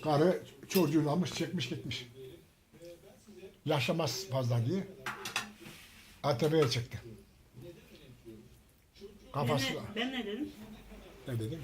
Karı çocuğunu almış çekmiş gitmiş. Yaşamaz fazla diye. ATV'ye çıktı. Kafası. Ben ne dedim? Ne dedim?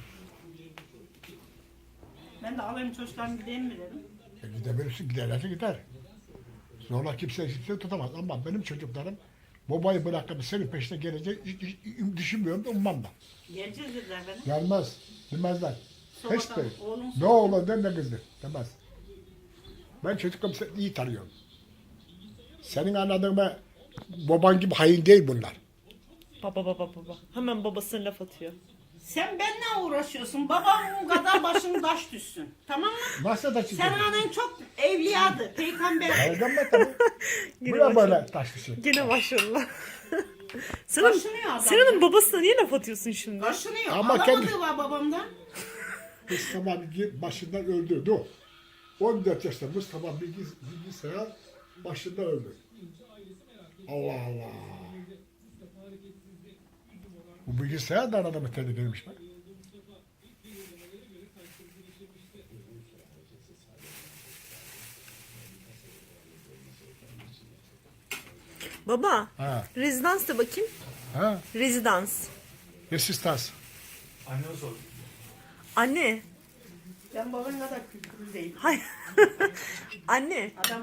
Ben de alayım çocuklarım gideyim mi dedim. Gidebilirsin, giderlerse gider. Zorla kimse tutamaz. Ama benim çocuklarım babayı bırakıp senin peşine gelecek hiç düşünmüyorum da ummam da. Geleceğiz dediler bana. Gelmez, bilmezler. Hiç Sonradan değil. oğlum Ne oğlan der ne kızdır. Demez. Ben çocuklarımı iyi tanıyorum. Senin anladığın baban gibi hain değil bunlar. Baba. Hemen babasına laf atıyor. sen benimle uğraşıyorsun. Babam kadar başın taş düşsün. Tamam mı? Nasıl da Sen çiziyor? annen çok evliyadı. Peygamber. Hayırdan mı tabii? Yine Bu da başladı. böyle taşlısı. Gene başladılar. Kaşınıyor adam. Sena'nın babasına niye laf atıyorsun şimdi? Kaşınıyor. Ama Alamadığı var babamdan. Mustafa başından öldürdü o. 14 yaşında Mustafa bilgisayar başından öldü. Allah Allah. Bu bilgisayar da arada mı tehlikeliymiş bak. Baba, Ha. rezidans da bakayım. Ha? Rezidans. Resistans. Anneme sor. Anne. Ben babam kadar kültürlü değilim. Hayır. Anne. Adam